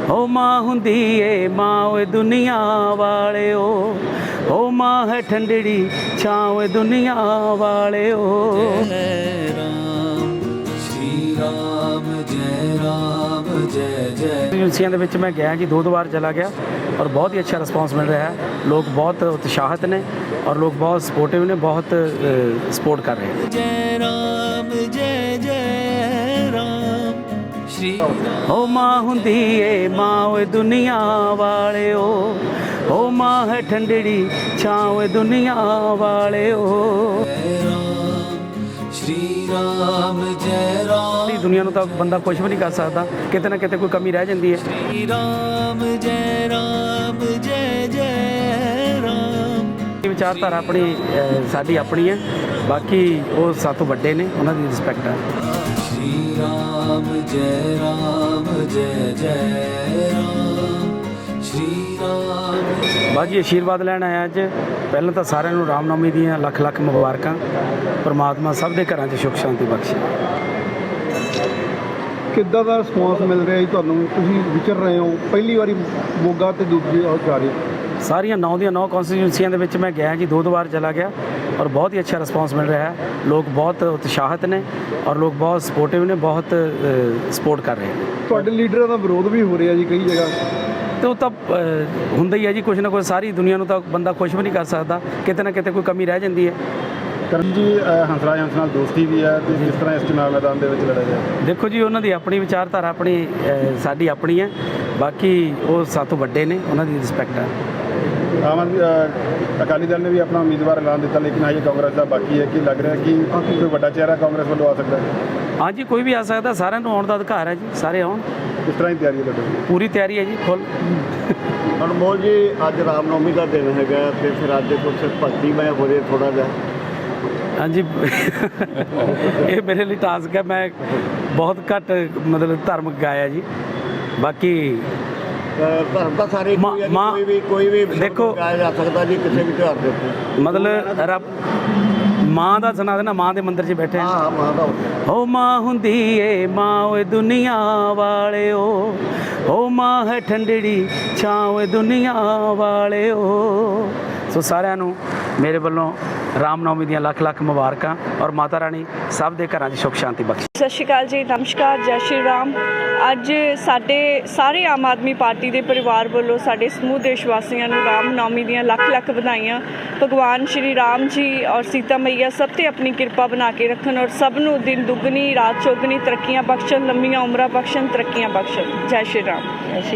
ओ माँ हुंदी ए माँ ओए दुनिया वाले ओ माँ है ठंडड़ी छाँव दुनिया वाले ओ। जय राम श्री राम जय जय। ਏਜੰਸੀਆਂ ਦੇ ਵਿੱਚ ਮੈਂ ਗਿਆ ਜੀ 2 ਵਾਰ ਚਲਾ ਗਿਆ ਔਰ ਬਹੁਤ ਹੀ ਅੱਛਾ ਰਿਸਪੌਂਸ ਮਿਲ ਰਿਹਾ ਹੈ। ਲੋਕ ਬਹੁਤ ਉਤਸ਼ਾਹਿਤ ਨੇ ਔਰ ਲੋਕ ਬਹੁਤ ਸਪੋਰਟਿਵ ਨੇ, ਬਹੁਤ ਸਪੋਰਟ ਕਰ ਰਹੇ ਨੇ। जय राम जय राम श्री राम। ओ माँ हुंदी ए माँ ओए दुनिया वाले ओ माँ है ठंडड़ी छाँव दुनिया वाले ओ। जय राम श्री राम जय राम। ਦੁਨੀਆ ਨੂੰ ਤਾਂ ਬੰਦਾ ਕੁਝ ਵੀ ਨਹੀਂ ਕਰ ਸਕਦਾ, ਕਿਤੇ ਨਾ ਕਿਤੇ ਕੋਈ ਕਮੀ ਰਹਿ ਜਾਂਦੀ ਹੈ। श्री राम जय राम। ਵਿਚਾਰਧਾਰਾ ਆਪਣੀ ਸਾਡੀ ਆਪਣੀ ਹੈ, ਬਾਕੀ ਉਹ ਸਾਤੋਂ ਵੱਡੇ ਨੇ, ਉਹਨਾਂ ਦੀ ਰਿਸਪੈਕਟ ਹੈ। श्री राम जय राम श्री राम। ਬਾਜੀ ਆਸ਼ੀਰਵਾਦ ਲੈਣ ਆਇਆ ਅੱਜ। ਪਹਿਲਾਂ ਤਾਂ ਸਾਰਿਆਂ ਨੂੰ ਰਾਮਨੌਮੀ ਦੀਆਂ ਲੱਖ ਲੱਖ ਮੁਬਾਰਕਾਂ। ਪਰਮਾਤਮਾ ਸਭ ਦੇ ਘਰਾਂ 'ਚ ਸੁੱਖ ਸ਼ਾਂਤੀ ਬਖਸ਼ੇ। ਕਿੱਦਾਂ ਦਾ ਰਿਸਪੌਂਸ ਮਿਲ ਰਿਹਾ ਜੀ ਤੁਹਾਨੂੰ? ਤੁਸੀਂ ਵਿਚਰ ਰਹੇ ਹੋ, ਪਹਿਲੀ ਵਾਰੀ ਮੋਗਾ ਤੇ ਦੂਜੀ ਉਹ ਜਾ ਰਹੇ। ਸਾਰੀਆਂ 9 ਦੀਆਂ 9 ਕੌਂਸਟੀਟਿਊਂਸੀਆਂ ਦੇ ਵਿੱਚ ਮੈਂ ਗਿਆ ਜੀ 2 ਵਾਰ ਚਲਾ ਗਿਆ ਔਰ ਬਹੁਤ ਹੀ ਅੱਛਾ ਰਿਸਪੌਂਸ ਮਿਲ ਰਿਹਾ ਹੈ। ਲੋਕ ਬਹੁਤ ਉਤਸ਼ਾਹਿਤ ਨੇ ਔਰ ਲੋਕ ਬਹੁਤ ਸਪੋਰਟਿਵ ਨੇ, ਬਹੁਤ ਸਪੋਰਟ ਕਰ ਰਹੇ ਨੇ। ਤੁਹਾਡੇ ਲੀਡਰਾਂ ਦਾ ਵਿਰੋਧ ਵੀ ਹੋ ਰਿਹਾ ਜੀ ਕਈ ਜਗ੍ਹਾ। ਤੇ ਉਹ ਤਾਂ ਹੁੰਦਾ ਹੀ ਹੈ ਜੀ, ਕੁਛ ਨਾ ਕੁਛ। ਸਾਰੀ ਦੁਨੀਆ ਨੂੰ ਤਾਂ ਬੰਦਾ ਕੁਝ ਵੀ ਨਹੀਂ ਕਰ ਸਕਦਾ, ਕਿਤੇ ਨਾ ਕਿਤੇ ਕੋਈ ਕਮੀ ਰਹਿ ਜਾਂਦੀ ਹੈ। ਕਰਨ ਜੀ ਹੰਸਰਾਜ ਹੰਸ ਨਾਲ ਦੋਸਤੀ ਵੀ ਹੈ ਤੇ ਕਿਸ ਤਰ੍ਹਾਂ ਇਸ ਚੁਣਾਵ ਮੈਦਾਨ ਦੇ ਵਿੱਚ ਲੜਿਆ ਜਾਏ? ਦੇਖੋ ਜੀ, ਉਹਨਾਂ ਦੀ ਆਪਣੀ ਵਿਚਾਰਧਾਰਾ ਆਪਣੀ, ਸਾਡੀ ਆਪਣੀ ਹੈ, ਬਾਕੀ ਉਹ ਸਾਤੋਂ ਵੱਡੇ ਨੇ, ਉਹਨਾਂ ਦੀ ਰਿਸਪੈਕਟ ਹੈ। ਆਮ ਆਦਮੀ ਅਕਾਲੀ ਦਲ ਨੇ ਵੀ ਆਪਣਾ ਉਮੀਦਵਾਰ ਐਲਾਨ ਦਿੱਤਾ, ਲੇਕਿਨ ਹਜੇ ਕਾਂਗਰਸ ਦਾ ਬਾਕੀ ਹੈ। ਕਿ ਲੱਗ ਰਿਹਾ ਕਿ ਕੋਈ ਵੱਡਾ ਚਿਹਰਾ ਕਾਂਗਰਸ ਵੱਲੋਂ ਆ ਸਕਦਾ ਹੈ? ਹਾਂਜੀ, ਕੋਈ ਵੀ ਆ ਸਕਦਾ, ਸਾਰਿਆਂ ਨੂੰ ਆਉਣ ਦਾ ਅਧਿਕਾਰ ਹੈ ਜੀ, ਸਾਰੇ ਆਉਣ। ਕਿਸ ਤਰ੍ਹਾਂ ਦੀ ਤਿਆਰੀ ਹੈ ਤੁਹਾਡੀ? ਪੂਰੀ ਤਿਆਰੀ ਹੈ ਜੀ, ਫੁੱਲ। ਅਨਮੋਲ ਜੀ, ਅੱਜ ਰਾਮਨੌਮੀ ਦਾ ਦਿਨ ਹੈਗਾ ਤੇ ਫਿਰ ਅੱਜ ਕੁਝ ਭਗਤੀਮੈ ਹੋ ਜੇ ਥੋੜਾ ਜਿਹਾ। ਹਾਂਜੀ ਇਹ ਮੇਰੇ ਲਈ ਟਾਸਕ ਹੈ। ਮੈਂ ਬਹੁਤ ਘੱਟ ਮਤਲਬ ਧਾਰਮਿਕ ਗਾਇਆ ਜੀ, ਬਾਕੀ ਧਰਮ ਤਾਂ ਸਾਰੇ ਕੋਈ ਵੀ ਦੇਖੋ ਗਾਇਆ ਜਾ ਸਕਦਾ ਜੀ ਕਿਸੇ ਵੀ ਤਿਉਹਾਰ ਦੇ ਉੱਤੇ। ਮਤਲਬ ਰੱਬ ਮਾਂ ਦਾ ਸੁਣਾ ਦੇਣਾ, ਮਾਂ ਦੇ ਮੰਦਿਰ 'ਚ ਬੈਠੇ ਹਾਂ, ਮਾਂ ਦਾ ਓ ਮਾਂ ਹੁੰਦੀ ਏ ਮਾਂ ਓਏ ਦੁਨੀਆ ਵਾਲੇ ਓ ਮਾਂ ਹੈ ਠੰਡੜੀ ਛਾँव ਦੁਨੀਆ ਵਾਲੇ ਓ। ਸੋ ਸਾਰਿਆਂ ਨੂੰ ਮੇਰੇ ਵੱਲੋਂ ਰਾਮਨੌਮੀ ਦੀਆਂ ਲੱਖ ਲੱਖ ਮੁਬਾਰਕਾਂ ਔਰ ਮਾਤਾ ਰਾਣੀ ਸਭ ਦੇ ਘਰਾਂ 'ਚ ਸੁੱਖ ਸ਼ਾਂਤੀ ਬਖਸ਼ੇ। ਸਤਿ ਸ਼੍ਰੀ ਅਕਾਲ ਜੀ, ਨਮਸਕਾਰ, ਜੈ ਸ਼੍ਰੀ ਰਾਮ। ਅੱਜ ਸਾਡੇ ਸਾਰੇ ਆਮ ਆਦਮੀ ਪਾਰਟੀ ਦੇ ਪਰਿਵਾਰ ਵੱਲੋਂ ਸਾਡੇ ਸਮੂਹ ਦੇਸ਼ ਵਾਸੀਆਂ ਨੂੰ ਰਾਮਨੌਮੀ ਦੀਆਂ ਲੱਖ ਲੱਖ ਵਧਾਈਆਂ। ਭਗਵਾਨ ਸ਼੍ਰੀ ਰਾਮ ਜੀ ਔਰ ਸੀਤਾ ਮਈਆ ਸਭ ਤੇ ਆਪਣੀ ਕਿਰਪਾ ਬਣਾ ਕੇ ਰੱਖਣ ਔਰ ਸਭ ਨੂੰ ਦਿਨ ਦੁੱਗਣੀ ਰਾਤ ਚੌਗਣੀ ਤਰੱਕੀਆਂ ਬਖਸ਼ਣ, ਲੰਮੀਆਂ ਉਮਰਾਂ ਬਖਸ਼ਣ, ਤਰੱਕੀਆਂ ਬਖਸ਼ਣ। ਜੈ ਸ਼੍ਰੀ ਰਾਮ।